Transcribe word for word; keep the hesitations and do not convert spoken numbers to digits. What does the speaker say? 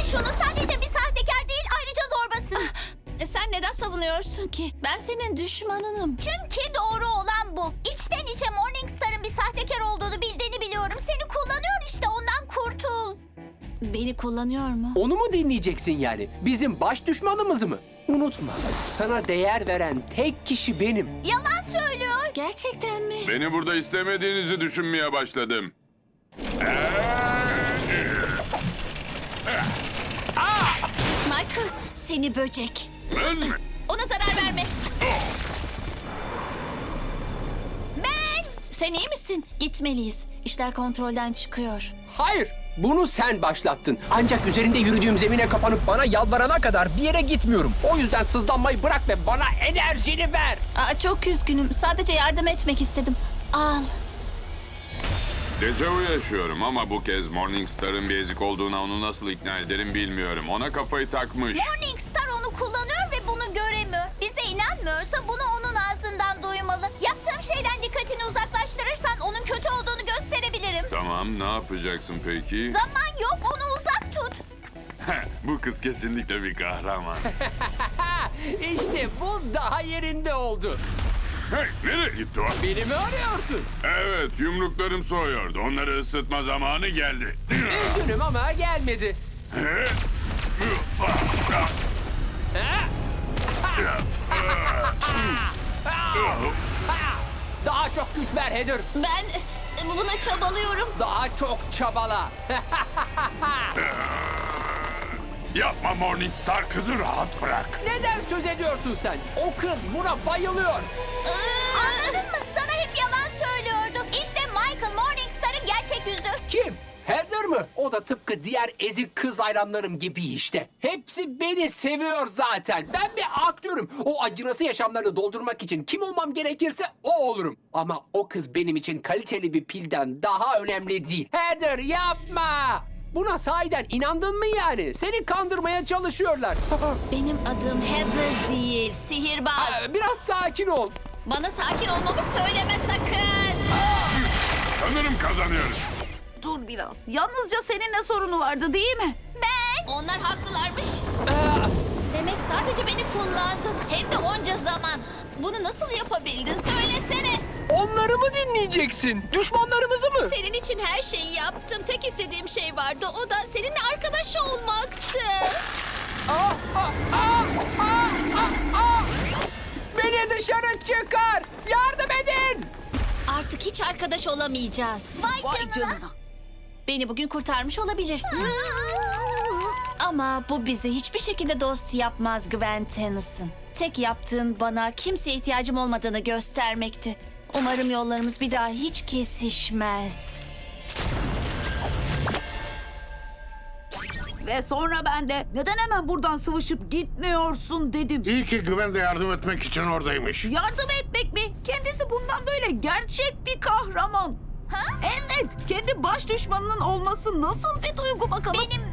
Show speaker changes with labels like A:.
A: şunu, sadece bir sahtekar değil, ayrıca zorbasın.
B: E, sen neden savunuyorsun ki? Ben senin düşmanınım.
A: Çünkü doğru olan bu. İçten içe Morningstar'ın bir sahtekar olduğunu bildiğini biliyorum. Seni kullanıyor işte, ondan kurtul.
B: Beni kullanıyor mu?
C: Onu mu dinleyeceksin yani? Bizim baş düşmanımızı mı? Unutma, sana değer veren tek kişi benim.
A: Yalan söylüyor.
B: Gerçekten mi?
D: Beni burada istemediğinizi düşünmeye başladım.
B: Michael, seni böcek.
D: Ben mi?
B: Ona zarar verme.
A: Ben
B: Sen iyi misin? Gitmeliyiz. İşler kontrolden çıkıyor.
C: Hayır, bunu sen başlattın. Ancak üzerinde yürüdüğüm zemine kapanıp bana yalvarana kadar bir yere gitmiyorum. O yüzden sızlanmayı bırak ve bana enerjini ver.
B: Aa, çok üzgünüm. Sadece yardım etmek istedim. Al.
D: Dejavu yaşıyorum ama bu kez Morningstar'ın bir ezik olduğuna onu nasıl ikna ederim bilmiyorum. Ona kafayı takmış.
A: Morningstar onu kullanıyor ve bunu göremiyor. Bize inanmıyorsa bunu onun ağzından duymalı. Yaptığım şeyden dikkatini uzaklaştırırsan onun kötü olduğunu gösterebilirim.
D: Tamam, ne yapacaksın peki?
A: Zaman yok, onu uzak tut.
D: Bu kız kesinlikle bir kahraman.
C: İşte bu daha yerinde oldu.
D: Hey, nereye gitti o?
C: Beni mi arıyorsun?
D: Evet, yumruklarım soğuyordu. Onları ısıtma zamanı geldi.
C: Üzgünüm ama gelmedi. Daha çok güç ver Heather.
B: Ben e, buna çabalıyorum.
C: Daha çok çabala.
D: Yapma Morningstar, kızı rahat bırak.
C: Neden söz ediyorsun sen? O kız buna bayılıyor.
A: Anladın mı? Sana hep yalan söylüyordu. İşte Michael Morningstar'ın gerçek yüzü.
C: Kim? Heather mı? O da tıpkı diğer ezik kız hayranlarım gibi işte. Hepsi beni seviyor zaten. Ben bir aktörüm. O acınası yaşamlarını doldurmak için kim olmam gerekirse o olurum. Ama o kız benim için kaliteli bir pilden daha önemli değil. Heather yapma! Buna sahiden inandın mı yani? Seni kandırmaya çalışıyorlar.
B: Benim adım Heather değil, sihirbaz.
C: Biraz sakin ol.
B: Bana sakin olmamı söyleme sakın.
D: Sanırım kazanıyoruz.
E: Dur biraz. Yalnızca seninle sorunu vardı değil mi?
B: Ben. Onlar haklılarmış. Demek sadece beni kullandın. Hem de onca zaman. Bunu nasıl yapabildin söylesene.
C: Onları mı dinleyeceksin? Düşmanlarımızı mı?
B: Senin için her şeyi yaptım. Tek istediğim şey vardı. O da seninle arkadaş olmaktı.
C: Beni dışarı çıkar! Yardım edin!
B: Artık hiç arkadaş olamayacağız.
A: Vay,
E: Vay
A: canına.
E: canına.
B: Beni bugün kurtarmış olabilirsin. Ama bu bizi hiçbir şekilde dost yapmaz Gwen Tennyson. Tek yaptığın bana kimseye ihtiyacım olmadığını göstermekti. Umarım yollarımız bir daha hiç kesişmez.
E: Ve sonra ben de neden hemen buradan sıvışıp gitmiyorsun dedim.
F: İyi ki Gwen de yardım etmek için oradaymış.
E: Yardım etmek mi? Kendisi bundan böyle gerçek bir kahraman.
A: Ha?
E: Evet, kendi baş düşmanının olması nasıl bir duygu bakalım?
A: Benim